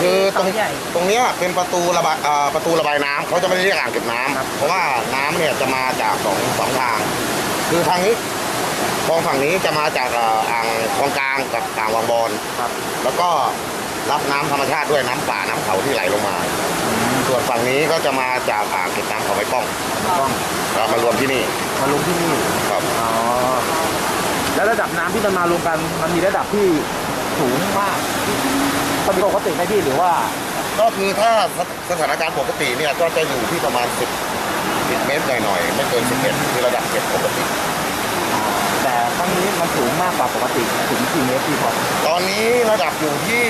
คือตรงนี้เป็นประตูระบายน้ำเขาจะไม่ได้เรียกอ่างเก็บน้ำเพราะว่าน้ำเนี่ยจะมาจากสองทางคือทางนี้คลองฝั่งนี้จะมาจากอ่างคลองกลางกับอ่างวังบอนแล้วก็รับน้ำธรรมชาติด้วยน้ำป่าน้ำเขาที่ไหลลงมาส่วนฝั่งนี้ก็จะมาจากอ่างเก็บน้ำเขาไม้ป้องก็มารวมที่นี่ครับอ๋อแล้วระดับน้ำที่มันมารวมกันมันมีระดับที่สูงมากปกติไหมพี่หรือว่าก็คือถ้าสถานการณ์ปกติเนี่ยก็จะอยู่ที่ประมาณ10เมตรหน่อยๆไม่เกิน11คือระดับเก็บปกติแต่ครั้งนี้มันสูงมากกว่าปกติถึงกี่เมตรพี่ครับตอนนี้ระดับอยู่ที่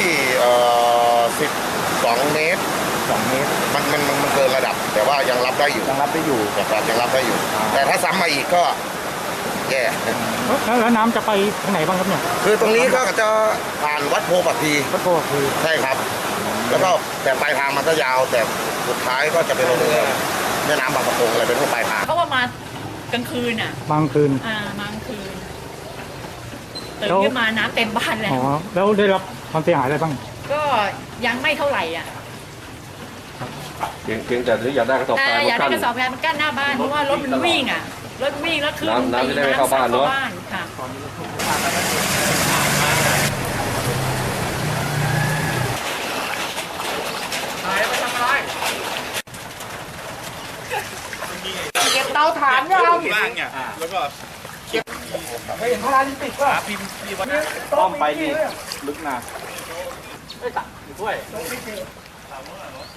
12 เมตรมันเกินระดับแต่ว่ายังรับได้อยู่นะครับยังรับได้อยู่แต่ถ้าซ้ำมาอีกก็แย่แล้วน้ำจะไปทางไหนบ้างครับเนี่ยคือตรงนี้ก็จะผ่านวัดโพปักพีใช่ครับแล้วก็แต่ปลายทางมันก็ยาวแต่สุดท้ายก็จะเป็นลงแม่น้ำบางประกงอะไรเป็นพวกปลายทางเขาว่ามากลางคืนอ่ะบางคืนมากลางคืนตื่นขึ้นมาน้ำเต็มบ้านแล้วแล้วได้รับความเสียหายอะไรบ้างก็ยังไม่เท่าไหร่อ่ะเพียงแต่ที่อยากได้กระสอบทรายอยากได้กระสอบทรายมันกั้นหน้าบ้านเพราะว่ารถมันวิ่งอ่ะรถวิ่งแล้วคือน้ำจะได้ไม่เข้าบ้านเนาะค่ะเก็บเตาถ่านยังแล้วก็เห็นพาราลิมปิกป่ะต้องไปนี่ลึกนะไม่ตัดด้วย